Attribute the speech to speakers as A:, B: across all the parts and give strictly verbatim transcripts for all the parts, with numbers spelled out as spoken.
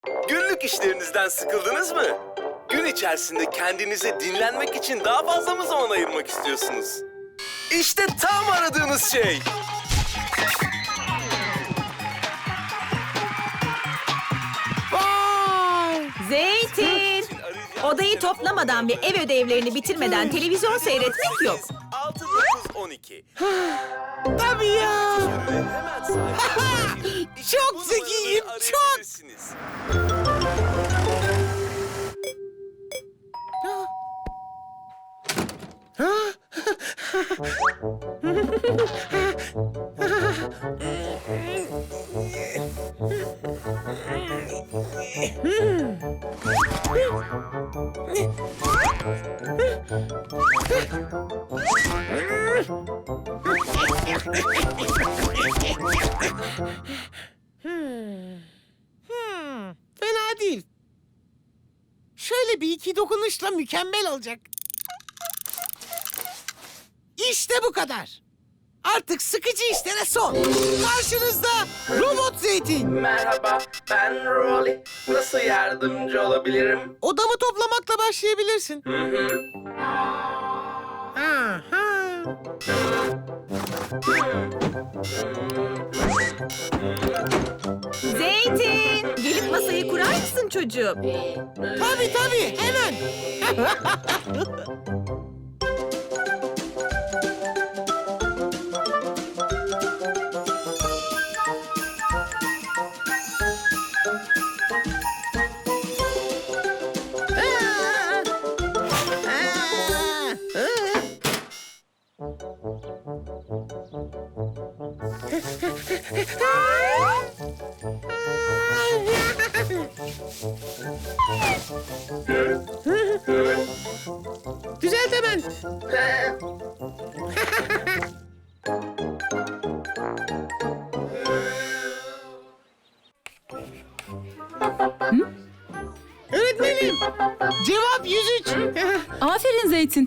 A: Günlük işlerinizden sıkıldınız mı? Gün içerisinde kendinize dinlenmek için daha fazla mı zaman ayırmak istiyorsunuz? İşte tam aradığınız şey.
B: Vay!
C: Zeytin! Odayı toplamadan ve ev ödevlerini bitirmeden televizyon seyretmek yok.
A: altı dokuz on iki.
B: Tabii ya.
A: Hemen sahibi.
B: Çok zekiyim, çok. Hmm, fena değil. Şöyle bir iki dokunuşla mükemmel olacak. İşte bu kadar. Artık sıkıcı işlere son. Karşınızda Robot Zeytin.
D: Merhaba, ben Rolly. Nasıl yardımcı olabilirim?
B: Odamı toplamakla başlayabilirsin.
D: Hı hı.
B: Aha.
C: Zeytin! Gelip masayı kurar mısın çocuğum?
B: Tabii tabii, hemen. Düzelt hemen. Öğretmenim, cevap yüz üç.
E: Aferin Zeytin.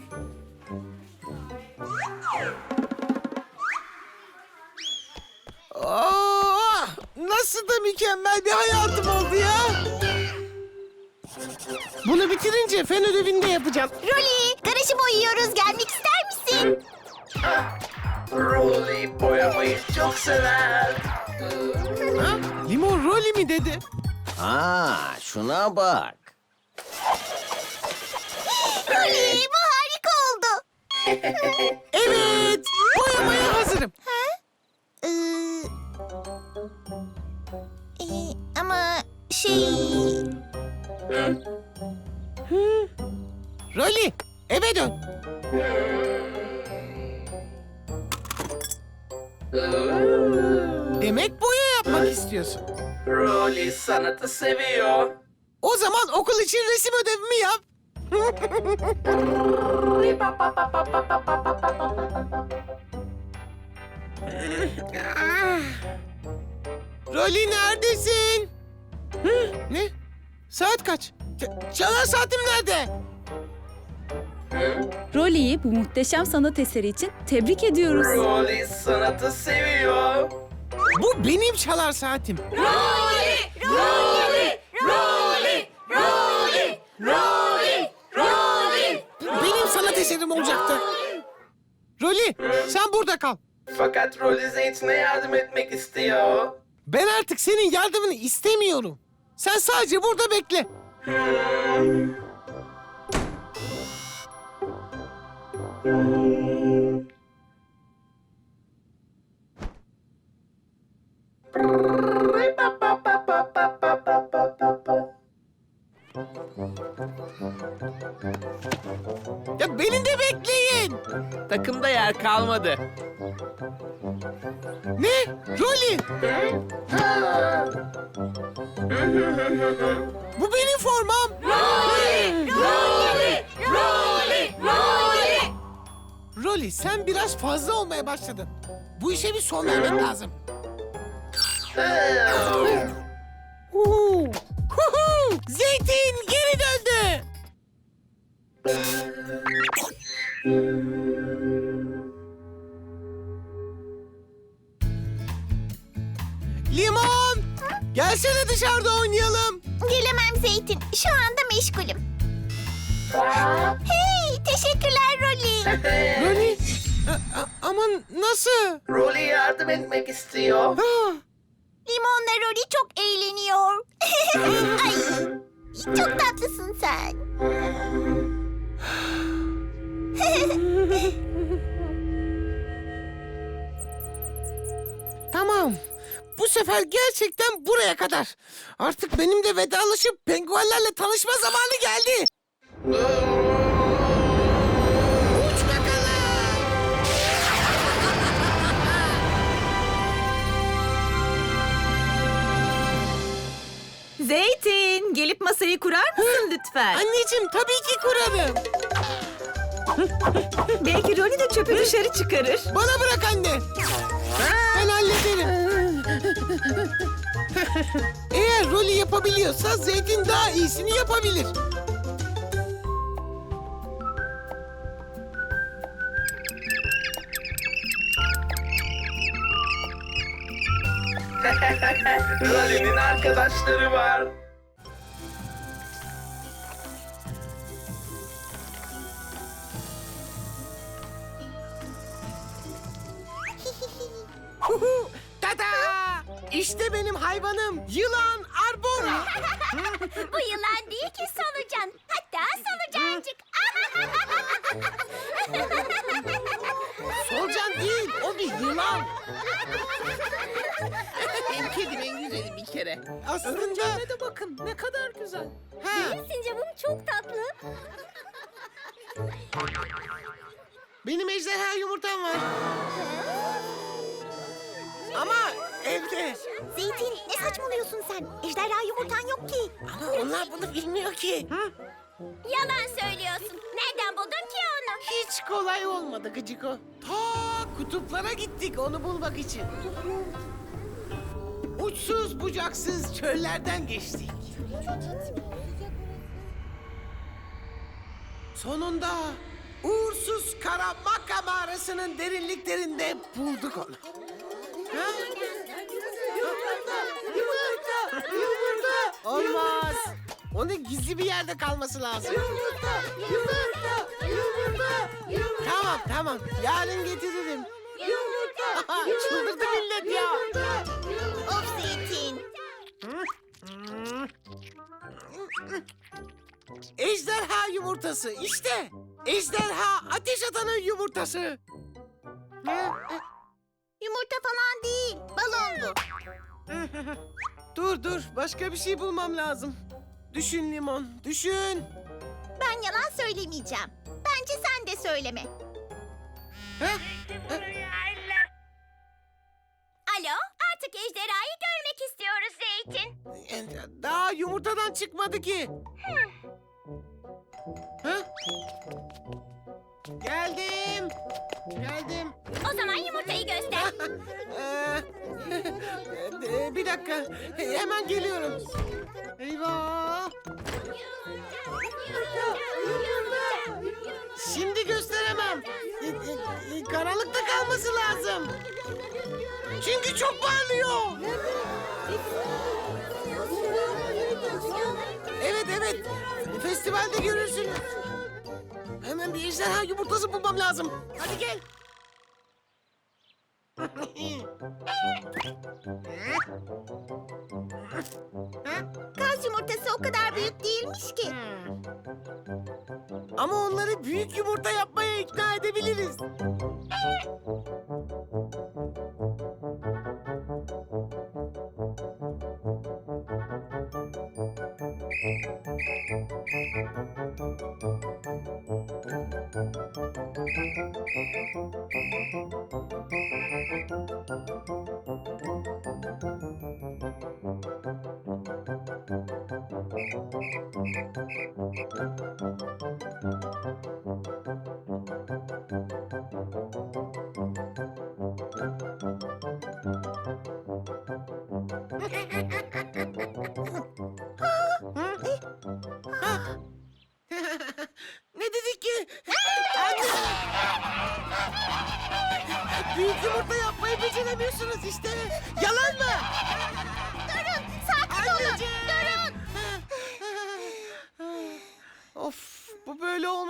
B: Oh, nasıl da mükemmel bir hayatım oldu ya. Bunu bitirince fen ödevini de yapacağım.
F: Rolly, garajı boyuyoruz. Gelmek ister misin?
D: Rolly boyamayı çok sever.
B: Ha? Limon Rolly mi dedi?
G: Aa, şuna bak.
F: Rolly, bu harika oldu.
B: Evet, boyamaya hazırım.
F: Ee, e, ama şey...
B: Rolly, eve dön. Demek boya yapmak istiyorsun.
D: Rolly sanatı seviyor.
B: O zaman okul için resim ödevimi yap. Rolly neredesin? Hı, ne? Saat kaç? Ç- çalar saatim nerede?
E: Rolly'yi bu muhteşem sanat eseri için tebrik ediyoruz.
D: Rolly sanatı seviyor.
B: Bu benim çalar saatim.
C: Rolly! Rolly! Rolly! Rolly! Rolly! Rolly!
B: Benim sanat eserim olacaktı. Rolly, sen burada kal.
D: Fakat Rolly Zeytin'e yardım etmek istiyor.
B: Ben artık senin yardımını istemiyorum. Sen sadece burada bekle. Ya beni de bekleyin.
H: Takımda yer kalmadı.
B: Ne? Rolly. Bu benim formam.
C: Rolly! Rolly! Rolly! Rolly!
B: Rolly, sen biraz fazla olmaya başladın. Bu işe bir son vermek lazım. Huhu! Huhu! Zeytin geri döndü. Limon! Gelsene dışarıda oynayalım.
F: Zeytin. Şu anda meşgulüm. Hey, teşekkürler Rolly.
B: Rolly? A- a- ama nasıl?
D: Rolly yardım etmek istiyor.
B: Ha,
F: Limonla Rolly çok eğleniyor. Ay, çok tatlısın sen.
B: tamam. Bu sefer gerçekten buraya kadar. Artık benim de vedalaşıp penguenlerle tanışma zamanı geldi. Uç bakalım.
C: Zeytin, gelip masayı kurar mısın lütfen?
B: Anneciğim tabii ki kurarım.
C: Belki Rolly de çöpü dışarı çıkarır.
B: Bana bırak anne. Ben hallederim. Eğer rolü yapabiliyorsa Zeytin daha iyisini yapabilir.
D: Rolly'nin arkadaşları var.
B: Huhu, tada! İşte benim hayvanım yılan Arbora.
F: Bu yılan değil ki solucan. Hatta solucancık.
B: Solucan değil, o bir yılan.
H: Benim kedim en güzeli bir kere.
B: Aslında de bakın ne kadar güzel. Ha,
F: Sincap'ım çok tatlı.
B: benim ejderha yumurtam var. Ama evde.
F: Zeytin ne saçmalıyorsun sen? Ejderha yumurtan yok ki.
B: Ama onlar bunu bilmiyor ki.
F: Yalan söylüyorsun. Nereden buldun ki onu?
B: Hiç kolay olmadı Gıcıko. Ta kutuplara gittik onu bulmak için. Uçsuz bucaksız çöllerden geçtik. Sonunda uğursuz Karamaka mağarasının derinliklerinde bulduk onu. Ha? Yumurta, yumurta, yumurta. Olmaz. Onun gizli bir yerde kalması lazım. Yumurta, yumurta, yumurta, yumurta. Tamam, tamam. Yarın getiririm. Yumurta, çıldırdı millet ya.
F: Of Zeytin.
B: Ejderha yumurtası işte. Ejderha ateş atanın yumurtası.
F: Yumurta falan değil. Balon bu.
B: Dur dur başka bir şey bulmam lazım. Düşün Limon, düşün.
F: Ben yalan söylemeyeceğim. Bence sen de söyleme.
B: Ha?
F: Alo, artık ejderhayı görmek istiyoruz Zeytin.
B: Daha yumurtadan çıkmadı ki. Ha? Geldim. Geldim.
F: O zaman yumurtayı göster.
B: Ee, bir dakika. Hemen geliyorum. Eyvah. Şimdi gösteremem. Ee, e, Karanlıkta kalması lazım. Çünkü çok parlıyor. Evet evet. Festivalde görürsünüz. Hemen bir ejderha yumurtası bulmam lazım. Hadi gel.
F: Kaz yumurtası o kadar büyük değilmiş ki.
B: Ama onları büyük yumurta yapmaya ikna edebiliriz. Ne dedik ki? Anne! Büyük yumurta yapmayı beceremiyorsunuz işte. Yalan mı?
F: Durun, sakin olun.
B: Anneciğim!
F: Durun.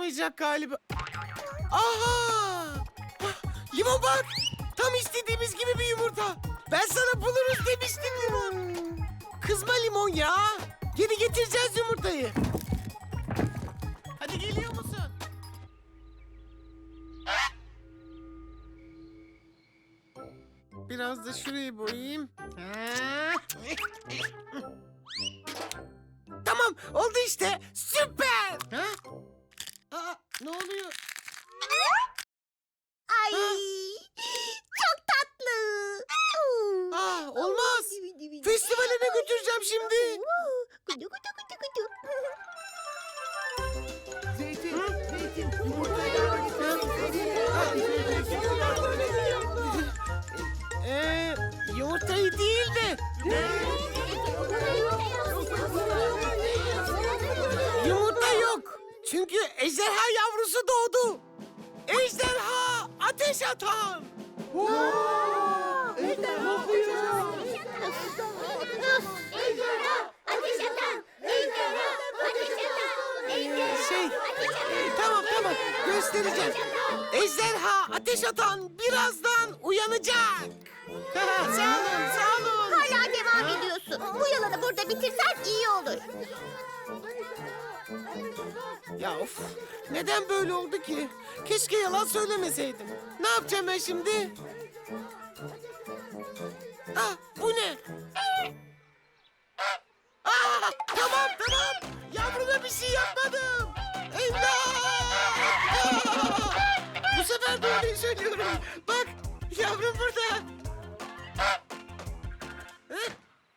B: olamayacak galiba. Aha! Limon bak! Tam istediğimiz gibi bir yumurta. Ben sana buluruz demiştim Limon. Kızma Limon ya. Geri getireceğiz yumurtayı. Hadi geliyor musun? Biraz da şurayı boyayayım. Tamam, oldu işte. Süper. Ha? Aa, ne oluyor?
F: Ay çok tatlı.
B: Aa, olmaz. Festivaline götüreceğim şimdi.
F: Gudu gudu gudu gudu.
B: Ee, yumurtayı değil de yumurta yok. Çünkü ejderha yavrusu doğdu. Ejderha ateş atan.
F: Ejderha ateş atan. Ejderha ateş atan.
B: Şey, e, tamam tamam göstereceğim. Ejderha ateş atan birazdan uyanacak. sağ olun, sağ olun.
F: Hala devam ediyorsun. Bu yalanı burada bitirsen iyi olur.
B: Ya of, neden böyle oldu ki? Keşke yalan söylemeseydim. Ne yapacağım ben şimdi? Ah, bu ne? Ah, tamam tamam. Yavruma bir şey yapmadım. İmdat! Ah! Bu sefer doğruyu söylüyorum. Bak, yavrum burada. Hı?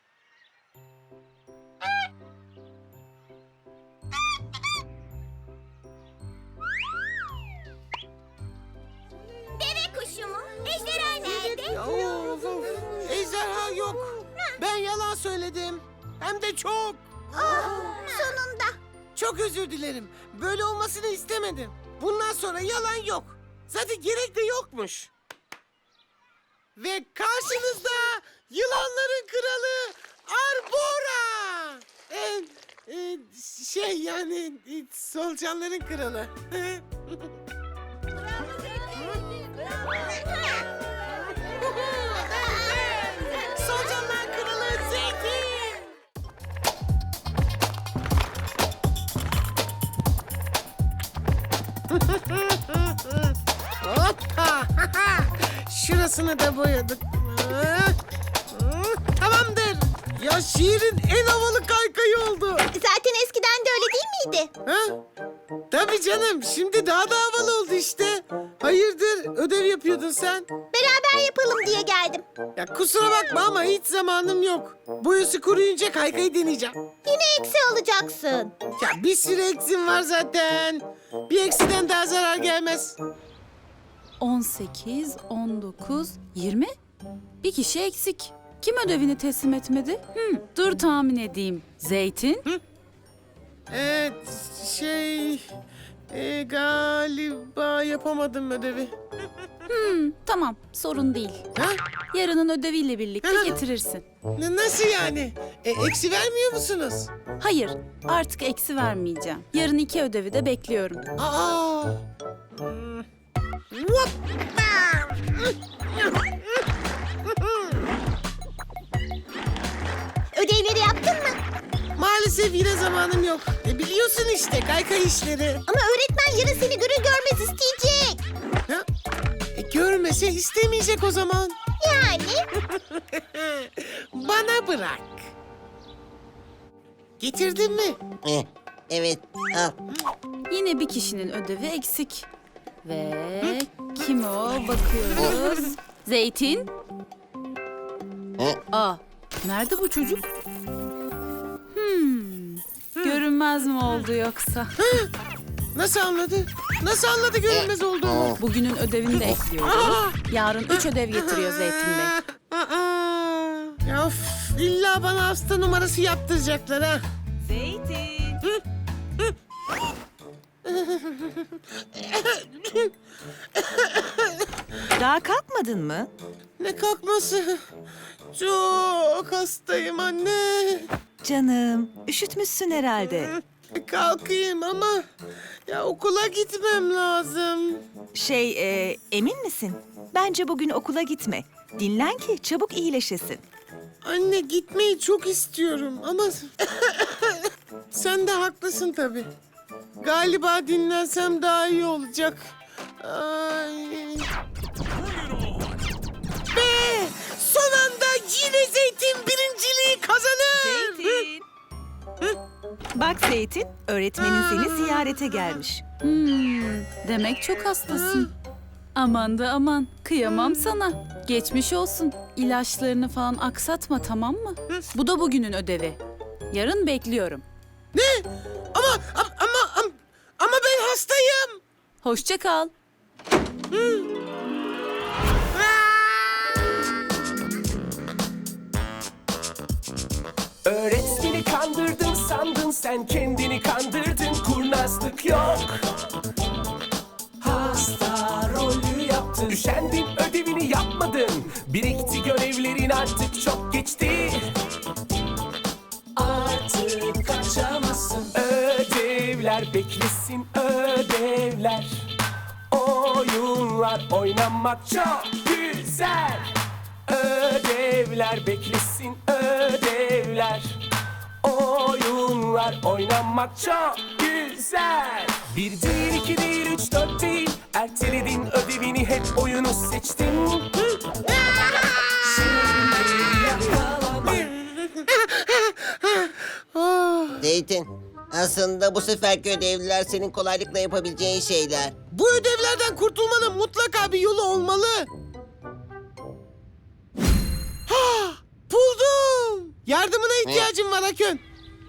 F: Deve kuşu mu? Ejderha nerede?
B: Ya of, of. Ejderha yok. Ben yalan söyledim. Hem de çok.
F: Oh, sonunda.
B: Çok özür dilerim. Böyle olmasını istemedim. Bundan sonra yalan yok. Zaten gerek de yokmuş. Ve karşınızda yılanların kralı Arbora. Ee, e, şey yani e, solucanların kralı. Solucanlar kralı Zeytin. Hoppa! Şurasını da boyadık. Tamamdır. Ya şiirin en havalı kaykayı oldu.
F: Zaten eskiden de öyle değil miydi?
B: Ha? Tabii canım. Şimdi daha da havalı oldu işte. Hayırdır? Ödev yapıyordun sen.
F: Beraber yapalım diye geldim.
B: Ya kusura bakma ama hiç zamanım yok. Boyası kuruyunca kaykayı deneyeceğim.
F: Yine eksi alacaksın.
B: Ya bir sürü eksim var zaten. Bir eksiden daha zarar gelmez.
E: on sekiz, on dokuz, yirmi. Bir kişi eksik. Kim ödevini teslim etmedi? Hmm, dur tahmin edeyim. Zeytin?
B: Evet, şey... e, galiba yapamadım ödevi.
E: Hmm, tamam, sorun değil.
B: Ha?
E: Yarının ödeviyle birlikte
B: Hı.
E: getirirsin.
B: N- nasıl yani? E, eksi vermiyor musunuz?
E: Hayır, artık eksi vermeyeceğim. Yarın iki ödevi de bekliyorum.
B: Aa! Hmm. Hoppa!
F: Ödevleri yaptın mı?
B: Maalesef yine zamanım yok. E, biliyorsun işte kaykay işleri.
F: Ama öğretmen yarın seni görür görmez isteyecek.
B: Ha? E, görmese istemeyecek o zaman.
F: Yani?
B: Bana bırak. Getirdin mi?
H: Eh, evet, al.
E: Yine bir kişinin ödevi eksik. Ve kim o? Bakıyoruz. Zeytin? Aa, nerede bu çocuk? Hmm, görünmez mi oldu yoksa?
B: Nasıl anladı? Nasıl anladı görünmez olduğumu?
E: Bugünün ödevini de ekliyoruz. Yarın üç ödev getiriyor Zeytin Bey.
B: Aa, ya of, illa bana hasta numarası yaptıracaklar ha.
C: Zeytin. Daha kalkmadın mı?
B: Ne kalkması? Çok hastayım anne.
C: Canım, üşütmüşsün herhalde.
B: Kalkayım ama ya okula gitmem lazım.
C: Şey, e, emin misin? Bence bugün okula gitme. Dinlen ki çabuk iyileşesin.
B: Anne gitmeyi çok istiyorum ama sen de haklısın tabii. Galiba dinlensem daha iyi olacak. Ay. Ve son anda yine Zeytin birinciliği kazanır.
C: Zeytin. Bak Zeytin, öğretmenin seni ziyarete gelmiş.
E: Hmm, demek çok hastasın. Aman da aman, kıyamam sana. Geçmiş olsun. İlaçlarını falan aksatma, tamam mı? Bu da bugünün ödevi. Yarın bekliyorum.
B: Ne? Ama ama ama ama ben hastayım.
E: Hoşça kal.
I: Öğretmeni kandırdın sandın, sen kendini kandırdın, kurnazlık yok. Hasta rolü yaptın, üşendin, ödevini yapmadın. Birikti görevlerin, artık çok geçti. Artık kaçamazsın. Ödevler beklesin, ödevler. Oyunlar oynamak çok güzel. Ödevler beklesin, ödevler. Oyunlar oynamak çok güzel. Bir değil, iki değil, üç, dört değil. Erteledin ödevini, hep oyunu seçtin. Şimdi yakalama.
H: Zeytin, aslında bu seferki ödevliler senin kolaylıkla yapabileceğin şeyler.
B: Bu ödevlerden kurtulmanın mutlaka bir yolu olmalı. Ha, buldum. Yardımına ihtiyacım var Akön.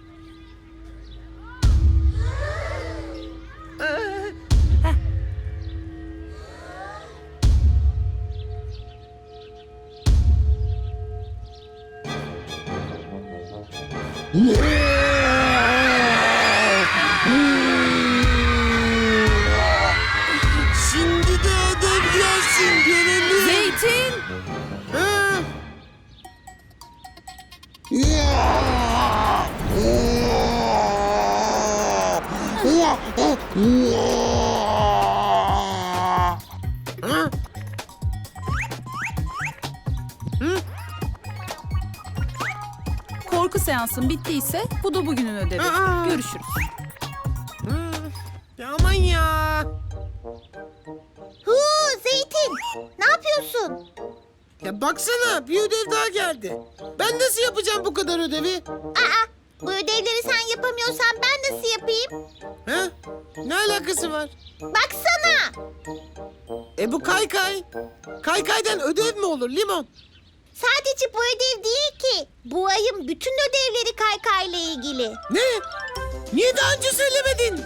B: Şimdi de ödev gelsin görelim.
E: Zeytin!
B: Ha. Ha?
E: Korku seansın bittiyse bu da bugünün ödevi.
B: Aa!
E: Görüşürüz.
B: Ya aman ya.
F: Huu Zeytin, ne yapıyorsun?
B: Ya baksana bir ödev daha geldi. Ben nasıl yapacağım bu kadar ödevi?
F: Aa, bu ödevleri sen yapamıyorsan ben nasıl yapayım?
B: Ha? Ne alakası var?
F: Baksana.
B: E bu kaykay. Kaykaydan ödev mi olur Limon?
F: Sadece bu ödev değil ki. Bu ayın bütün ödevleri kaykayla ilgili.
B: Ne? Niye daha önce söylemedin?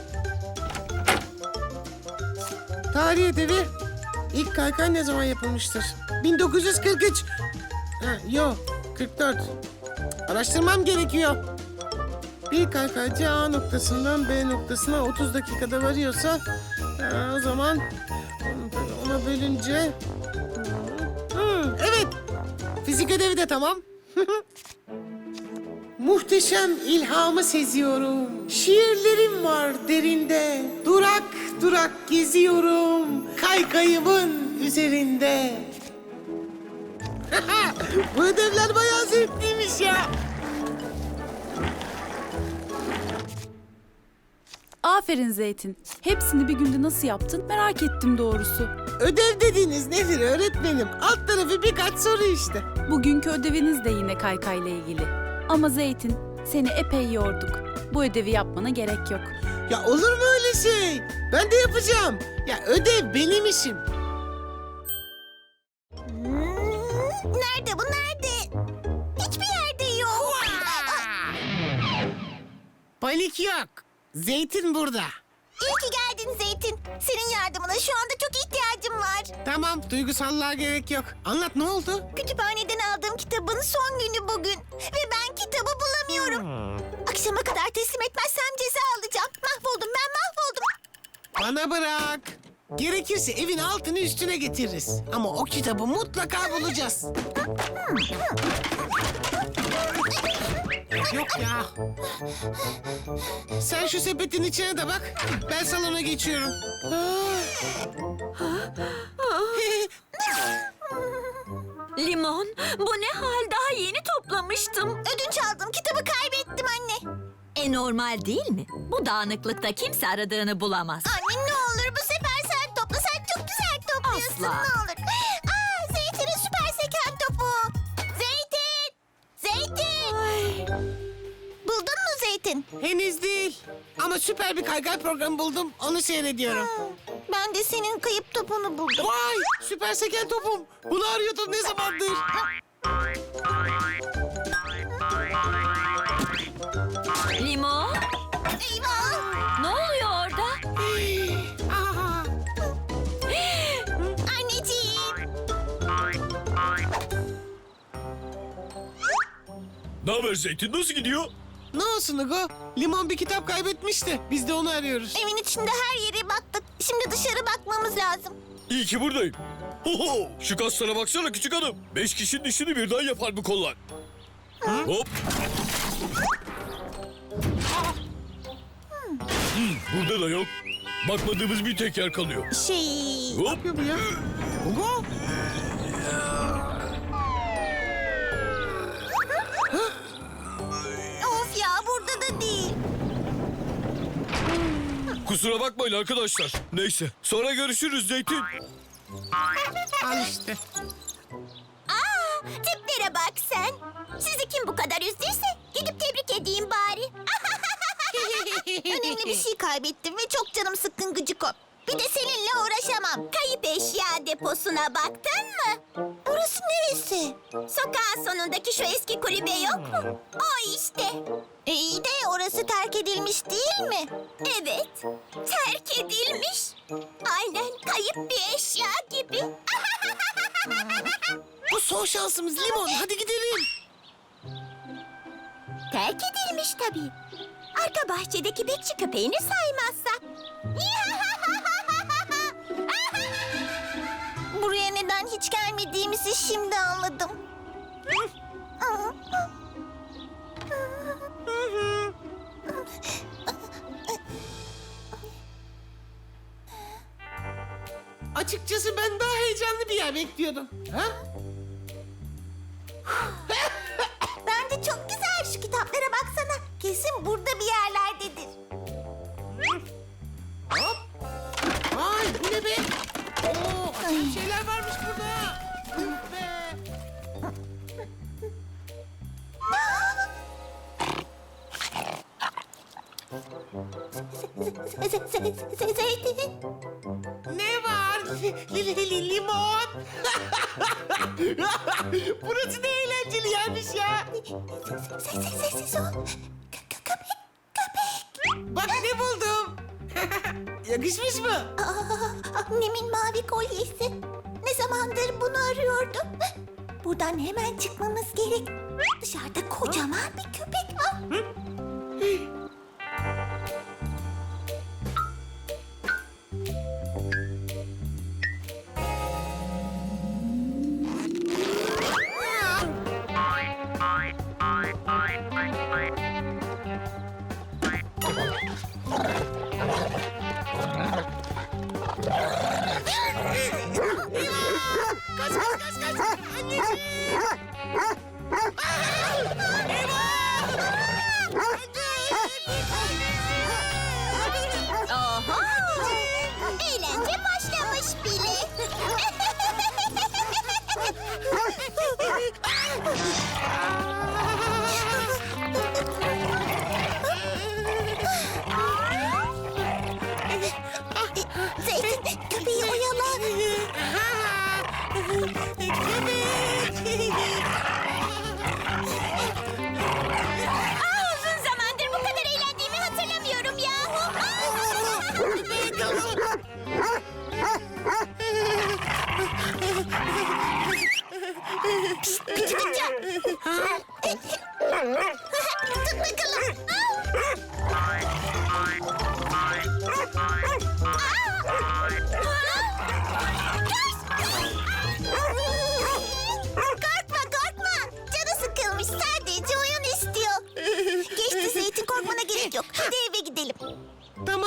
B: Tarih ödevi. İlk kaykay ne zaman yapılmıştır? bin dokuz yüz kırk üç. Ha, yok, kırk dört. Araştırmam gerekiyor. Bir kaykaycı A noktasından B noktasına otuz dakikada varıyorsa ha, o zaman ona bölünce... Hı, evet, fizik ödevi de tamam. Muhteşem ilhamı seziyorum. Şiirlerim var derinde. Durak durak geziyorum. Kaykayımın üzerinde. Bu ödevler bayağı zevkliymiş ya.
E: Aferin Zeytin. Hepsini bir günde nasıl yaptın merak ettim doğrusu.
B: Ödev dediğiniz nedir öğretmenim? Alt tarafı birkaç soru işte.
E: Bugünkü ödeviniz de yine kaykayla ilgili. Ama Zeytin, seni epey yorduk. Bu ödevi yapmana gerek yok.
B: Ya olur mu öyle şey? Ben de yapacağım. Ya ödev benim işim.
F: Hmm, nerede bu nerede? Hiçbir yerde yok.
B: Panik yok. Zeytin burada.
F: İyi ki geldin Zeytin. Senin yardımına şu anda çok ihtiyacım var.
B: Tamam, duygusallığa gerek yok. Anlat, ne oldu?
F: Kütüphaneden aldığım kitabın son günü bugün. Ve ben kitabı bulamıyorum. Akşama kadar teslim etmezsem ceza alacağım. Mahvoldum ben mahvoldum.
B: Bana bırak. Gerekirse evin altını üstüne getiririz. Ama o kitabı mutlaka bulacağız. Yok ya. Sen şu sepetin içine de bak. Ben salona geçiyorum.
C: Limon, bu ne hal? Daha yeni toplamıştım.
F: Ödünç aldım kitabı kaybettim anne.
C: E normal değil mi? Bu dağınıklıkta kimse aradığını bulamaz.
F: Anne ne olur bu sefer sen topla. Sen çok güzel topluyorsun
C: Asla.
F: ne olur. Aa Zeytin'in süper seken topu. Zeytin! Zeytin! Buldun mu Zeytin?
B: Henüz değil. Ama süper bir kaykay programı buldum. Onu seyrediyorum.
F: Ben de senin kayıp topunu buldum.
B: Vay! Süper seken topum. Bunu arıyordum ne zamandır.
C: Limon,
F: Eyvah!
C: ne oluyor orada?
B: Aa,
F: Anneciğim!
I: Ne haber Zeytin? Nasıl gidiyor?
B: ne olsun Hugo? Limon bir kitap kaybetmişti. Biz de onu arıyoruz.
F: Evin içinde her yere baktık. Şimdi dışarı bakmamız lazım.
I: İyi ki buradayım. Hoho! Şu kaslara baksana küçük hanım. Beş kişinin işini birden yapar bu kollar. Hop! Hmm, burada da yok. Bakmadığımız bir tek yer kalıyor.
F: Şey...
I: Hop!
B: yapıyor bu ya? Hugo?
F: Of ya burada da değil.
I: Kusura bakmayın arkadaşlar. Neyse, sonra görüşürüz Zeytin.
B: Al işte.
F: Aa, tiplere bak sen. Sizi kim bu kadar üzdüyse gidip tebrik edeyim bari. Önemli bir şey kaybettim ve çok canım sıkkın Gıcıko. Bir de seninle uğraşamam. Kayıp eşya deposuna baktın mı? Orası neresi? Sokağın sonundaki şu eski kulübe yok mu? O işte. E iyi de orası terk edilmiş değil mi? Evet, terk edilmiş. Aynen kayıp bir eşya gibi.
B: Bu son şansımız Limon. Hadi gidelim.
F: Terk edilmiş tabii. Arka bahçedeki bekçi köpeğini saymazsak. Buraya neden hiç gelmediğimizi şimdi anladım.
B: Açıkçası ben daha heyecanlı bir yer bekliyordum. Ha?
F: Bence çok güzel şu kitaplara baksana. Kesin burada bir yerlerdedir.
B: Hop. Vay bu ne be? Oo, acayip şeyler varmış burada. Üf be.
F: Zeytin.
B: Ne var? Li, li, li, limon. Burası ne eğlenceli yermiş ya.
F: Sessiz ol. Köpek, köpek.
B: Bak ne buldum. Yakışmış mı?
F: Aa, annemin mavi kolyesi. Ne zamandır bunu arıyordum. Buradan hemen çıkmamız gerek. Dışarıda kocaman bir köpek var.
B: Kaç kaç kaç kaç. Anneciğim.
F: Oho! Eğlence başlamış bile.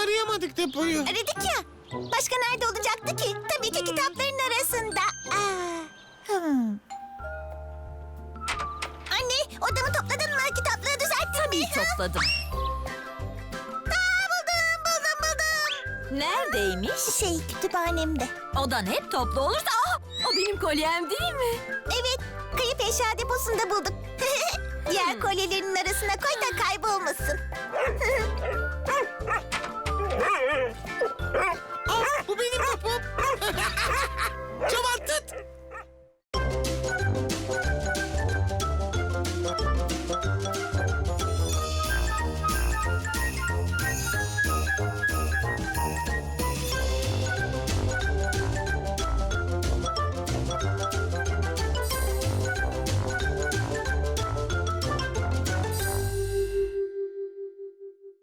B: arayamadık depoyu.
F: Aradık ya. Başka nerede olacaktı ki? Tabii ki kitapların arasında. Aa, hmm. Anne, odamı topladın mı? Kitapları düzelttin mi?
C: Tabii topladım.
F: Aa, buldum, buldum, buldum.
C: Neredeymiş?
F: Şey, kütüphanemde.
C: Odan hep toplu olursa... Aa, o benim kolyem değil mi?
F: Evet, kayıp eşya deposunda bulduk. Diğer kolyelerin arasına koy da kaybolmasın.